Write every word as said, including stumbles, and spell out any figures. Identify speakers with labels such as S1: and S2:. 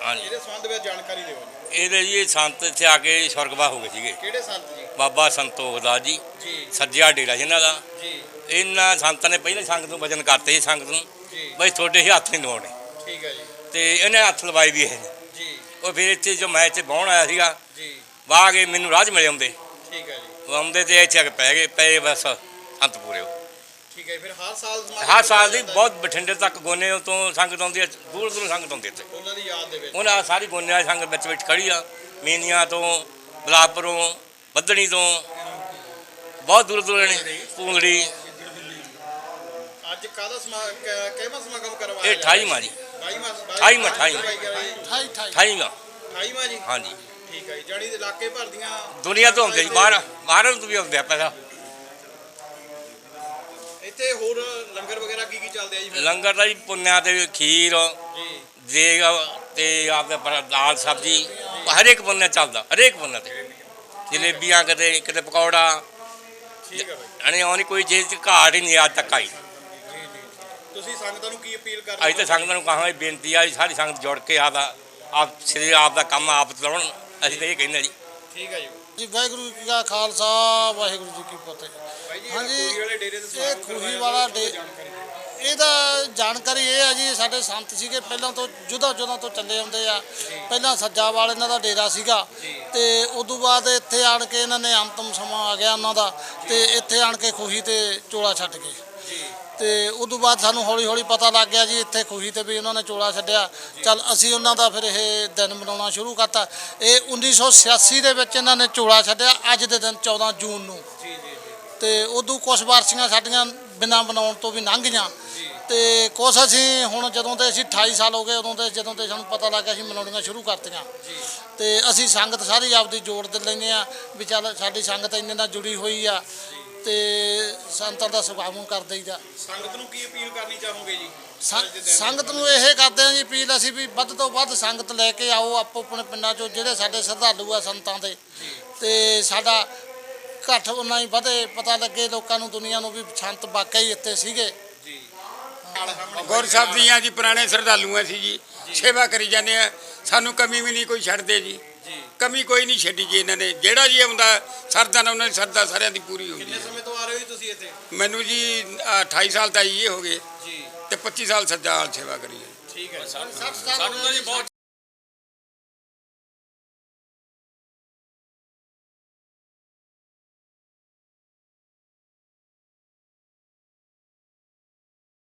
S1: ਹਾਂਜੀ
S2: ਇਹਦੇ ਸੰਬੰਧ ਵਿੱਚ ਜਾਣਕਾਰੀ ਦਿਓ ਜੀ।
S1: ਇਹਦੇ ਜੀ ਸੰਤ ਇੱਥੇ ਆ ਕੇ ਸਵਰਗਵਾਸ ਹੋ ਗਏ ਸੀਗੇ।
S2: ਕਿਹੜੇ ਸੰਤ ਜੀ?
S1: ਬਾਬਾ ਸੰਤੋਖ ਦਾਸ ਜੀ
S2: ਜੀ
S1: ਸੱਜਿਆ ਡੇਰਾ ਜਿਹਨਾਂ ਦਾ।
S2: ਜੀ
S1: ਇਹਨਾਂ ਸੰਤਾਂ ਨੇ ਪਹਿਲਾਂ ਸੰਗਤ ਨੂੰ ਵਚਨ ਕਰਤੇ ਸੀ ਸੰਗਤ ਨੂੰ
S2: ਜੀ
S1: ਬਈ ਤੁਹਾਡੇ ਹੀ ਹੱਥ ਨਹੀਂ ਲਵਾਉਣੇ,
S2: ਠੀਕ ਹੈ ਜੀ
S1: ਤੇ ਇਹਨੇ ਹੱਥ ਲਵਾਈ ਵੀ ਇਹ।
S2: ਜੀ
S1: ਉਹ ਫਿਰ ਇੱਥੇ ਜੋ ਮੈਂ ਇੱਥੇ ਬਹਿਣ ਆਇਆ ਸੀਗਾ
S2: ਜੀ
S1: ਵਾਹ ਕੇ ਮੈਨੂੰ ਰਾਹ 'ਚ ਮਿਲੇ ਆਉਂਦੇ
S2: ਠੀਕ ਹੈ ਜੀ
S1: ਉਹ ਆਉਂਦੇ ਤੇ ਇੱਥੇ ਆ ਕੇ ਪੈ ਗਏ ਪਏ ਬਸ ਸੰਤ ਪੂਰੇ ਹੋ।
S2: ਠੀਕ ਹੈ। ਫਿਰ ਹਰ ਸਾਲ ਸਮਾਗਮ
S1: ਹਰ ਸਾਲ ਦੀ
S2: ਕੀਤਾ ਜਾਂਦਾ
S1: ਬਹੁਤ ਬਠਿੰਡੇ ਤੱਕ ਗੋਨੇ ਤੋਂ ਸੰਗਤ ਆਉਂਦੀ ਹੈ, ਦੂਰ ਦੂਰ ਸੰਗਤ ਆਉਂਦੀ ਇੱਥੇ।
S2: ਉਹਨਾਂ ਦੀ ਯਾਦ ਦੇ ਵਿੱਚ।
S1: ਉਹਨਾਂ ਸਾਰੀ ਗੋਨੇ ਵਾਲੀ ਸੰਗਤ ਵਿੱਚ ਵਿੱਚ ਖੜੀ ਆ, ਮੀਨੀਆਂ ਤੋਂ ਬਲਾਪੁਰੋਂ ਬੱਧਣੀ ਤੋਂ ਬਹੁਤ ਦੂਰ ਦੂਰ ਨੇ ਪੂੰਗੜੀ।
S2: ਅੱਜ ਕਾਹਦਾ ਸਮਾ ਕ- ਕਿਹੜਾ ਸਮਾਗਮ ਕਰਵਾਇਆ
S1: ਇਹ ਅਠਾਈਵਾਂ ਜੀ
S2: ਅਠਾਈਵਾਂ
S1: ਅਠਾਈਵਾਂ, ਅਠਾਈਵਾਂ।
S2: ਅਠਾਈਵਾਂ
S1: ਅਠਾਈਵਾਂ
S2: ਅਠਾਈਵਾਂ ਜੀ।
S1: ਹਾਂਜੀ।
S2: ਠੀਕ ਹੈ ਜੀ। ਜਾਣੀ ਦੇ ਇਲਾਕੇ ਭਰ ਦੀਆਂ
S1: ਦੁਨੀਆ ਤੋਂ ਆਉਂਦੇ ਜੀ, ਬਾਹਰ ਬਾਹਰੋਂ ਤੋਂ ਵੀ ਆਉਂਦੇ ਆ ਪੈਸਾ।
S2: ਇੱਥੇ ਹੋਰ ਲੰਗਰ ਵਗੈਰਾ ਕੀ ਕੀ ਚੱਲਦੇ ਆ ਜੀ ਫਿਰ?
S1: ਲੰਗਰ ਦਾ ਜੀ ਪੁੰਨਿਆ ਤੇ ਖੀਰ
S2: ਜੀ
S1: ਦੇਗ ਤੇ ਆਪਦਾ ਪਰ ਦਾਲ ਸਬਜ਼ੀ ਹਰੇਕ ਪੁੰਨਿਆ ਚੱਲਦਾ, ਹਰੇਕ ਪੁੰਨਿਆ ਤੇ ਜਲੇਬੀਆਂ ਕਿਤੇ ਕਿਤੇ ਪਕੌੜਾ।
S2: ਠੀਕ ਹੈ ਬਾਈ।
S1: ਯਾਨੀ ਉਹ ਨਹੀਂ ਕੋਈ ਚੀਜ਼ 'ਚ ਘਾਟ ਹੀ ਨਹੀਂ ਅੱਜ ਤੱਕ ਆਈ।
S2: ਜੀ ਜੀ ਤੁਸੀਂ ਸੰਗਤਾਂ ਨੂੰ ਕੀ ਅਪੀਲ ਕਰ
S1: ਅੱਜ ਤਾਂ ਸੰਗਤਾਂ ਨੂੰ ਕਹਾਂਗੇ ਬੇਨਤੀ ਆ ਜੀ ਸਾਰੀ ਸੰਗਤ ਜੁੜ ਕੇ ਆਪਦਾ ਆਪ ਸ੍ਰੀ ਆਪ ਦਾ ਕੰਮ ਆਪ ਚਲਾਉਣ। ਅਸੀਂ ਤਾਂ ਇਹ ਕਹਿੰਦੇ ਜੀ।
S2: ਠੀਕ ਹੈ ਜੀ
S3: ਜੀ ਵਾਹਿਗੁਰੂ ਜੀ ਕਾ ਖਾਲਸਾ ਵਾਹਿਗੁਰੂ ਜੀ ਕੀ ਫਤਿਹ।
S2: ਬਾਈ ਜੀ
S3: ਹਾਂਜੀ,
S2: ਖੂਹੀ ਵਾਲੇ ਡੇਰੇ ਤੇ
S3: ਇਹ
S2: ਸਮਾਗਮ
S3: ਖੂਹੀ
S2: ਕਰਵਾਇਆ
S3: ਵਾਲਾ
S2: ਉਹਦੀ
S3: ਡੇ-
S2: ਜਾਣਕਾਰੀ ਦਿਓ।
S3: ਇਹਦਾ ਜਾਣਕਾਰੀ ਇਹ ਹੈ ਜੀ ਸਾਡੇ ਸੰਤ ਸੀਗੇ ਪਹਿਲਾਂ ਤੋਂ ਜੁਦਾ ਜੁਦਾ ਤੋਂ ਚੱਲੇ ਆਉਂਦੇ ਆ। ਪਹਿਲਾਂ ਸੱਜਾਵਾਲ ਇਹਨਾਂ ਦਾ ਡੇਰਾ ਸੀਗਾ ਤੇ ਉਦੋਂ ਬਾਅਦ ਇੱਥੇ ਆਣ ਕੇ ਇਹਨਾਂ ਨੇ ਅੰਤਮ ਸਮਾਂ ਆ ਗਿਆ ਉਹਨਾਂ ਦਾ ਤੇ ਇੱਥੇ ਆਣ ਕੇ ਖੂਹੀ ਤੇ ਚੋਲਾ ਛੱਡ ਗਏ। ਤੇ ਉਦੋਂ ਬਾਅਦ ਸਾਨੂੰ ਹੌਲੀ ਹੌਲੀ ਪਤਾ ਲੱਗ ਗਿਆ ਜੀ ਇੱਥੇ ਖੂਹੀ ਤੇ ਵੀ ਉਹਨਾਂ ਨੇ ਚੋਲਾ ਛੱਡਿਆ। ਚੱਲ ਅਸੀਂ ਉਹਨਾਂ ਦਾ ਫਿਰ ਇਹ ਦਿਨ ਮਨਾਉਣਾ ਸ਼ੁਰੂ ਕਰਤਾ। ਇਹ ਉੱਨੀ ਸੌ ਛਿਆਸੀ ਦੇ ਵਿੱਚ ਇਹਨਾਂ ਨੇ ਚੋਲਾ ਛੱਡਿਆ ਅੱਜ ਦੇ ਦਿਨ ਚੌਦਾਂ ਜੂਨ ਨੂੰ।
S2: ਜੀ ਜੀ
S3: ਤੇ ਉਦੋਂ ਕੁਛ ਵਾਰਸੀਆਂ ਸਾਡੀਆਂ ਬਿਨਾਂ ਬਣਾਉਣ ਤੋਂ ਵੀ ਲੰਘ ਗਈਆਂ ਤੇ ਕੁਛ ਅਸੀਂ ਹੁਣ ਜਦੋਂ ਤੇ ਅਸੀਂ ਅਠਾਈ ਸਾਲ ਹੋ ਗਏ ਉਦੋਂ ਤੇ ਜਦੋਂ ਤੇ ਸਾਨੂੰ ਪਤਾ ਲੱਗਾ ਅਸੀਂ ਮਨਾਉਣੀਆਂ ਸ਼ੁਰੂ ਕਰਤੀਆਂ। ਤੇ ਅਸੀਂ ਸੰਗਤ ਸਾਰੀ ਆਪਦੀ ਜੋੜ ਦੇ ਲੈਂਦੇ ਆ ਵੀ ਚੱਲ ਸਾਡੀ ਸੰਗਤ ਇੰਨੇ ਨਾਲ ਜੁੜੀ ਹੋਈ ਆ ਤੇ ਸੰਤਾਂ ਦਾ ਸਵਾਗਤ ਕਰ ਦਈਦਾ।
S2: ਸੰਗਤ ਨੂੰ ਕੀ ਅਪੀਲ ਕਰਨੀ ਚਾਹੋਗੇ ਜੀ?
S3: ਸੰ- ਸੰਗਤ ਨੂੰ ਇਹ ਕਰਦੇ ਆ ਜੀ ਅਪੀਲ ਅਸੀਂ ਵੀ ਵੱਧ ਤੋਂ ਵੱਧ ਸੰਗਤ ਲੈ ਕੇ ਆਓ ਆਪੋ ਆਪਣੇ ਪਿੰਡਾਂ 'ਚੋਂ ਜਿਹੜੇ ਸਾਡੇ ਸ਼ਰਧਾਲੂ ਆ ਸੰਤਾਂ ਦੇ ਤੇ ਸਾਡਾ ਘੱਟ ਉਹਨਾਂ ਹੀ ਵਧੇ ਪਤਾ ਲੱਗੇ ਲੋਕਾਂ ਨੂੰ ਦੁਨੀਆ ਨੂੰ ਵੀ ਸੰਤ ਵਾਕਿਆ ਹੀ ਇੱਥੇ ਸੀਗੇ।
S2: ਜੀ
S4: ਗੁਰ ਸਾਹਿਬ ਦੀਆਂ ਜੀ ਪੁਰਾਣੇ ਸ਼ਰਧਾਲੂ ਅਸੀਂ ਜੀ ਸੇਵਾ ਕਰੀ ਜਾਂਦੇ ਆ। ਸਾਨੂੰ ਕਮੀ ਵੀ ਨਹੀਂ ਕੋਈ ਛੱਡਦੇ ਜੀ, ਕਮੀ ਕੋਈ ਨਹੀਂ ਛੱਡੀ ਜੀ ਇਹਨਾਂ ਨੇ। ਜਿਹੜਾ ਜੀ ਆਉਂਦਾ ਸਰਦਾ ਨਾਲ ਉਹਨਾਂ ਦੀ ਸਰਦਾ ਸਾਰਿਆਂ ਦੀ ਪੂਰੀ ਹੁੰਦੀ
S2: ਕਿੰਨੇ
S4: ਹੈ।
S2: ਸਮੇਂ ਤੋਂ ਆ ਰਹੇ ਹੋ ਜੀ ਤੁਸੀਂ ਇੱਥੇ?
S4: ਮੈਨੂੰ ਜੀ ਅਠਾਈ ਸਾਲ ਤਾਂ ਇਹ ਹੋ ਗਏ
S2: ਜੀ
S4: ਤੇ ਪੱਚੀ ਸਾਲ ਸੱਜਾ ਹਾਲ ਸੇਵਾ ਕਰੀ ਹੈ।
S2: ਠੀਕ ਹੈ।
S3: ਸਾਨੂੰ ਤਾਂ ਜੀ ਬਹੁਤ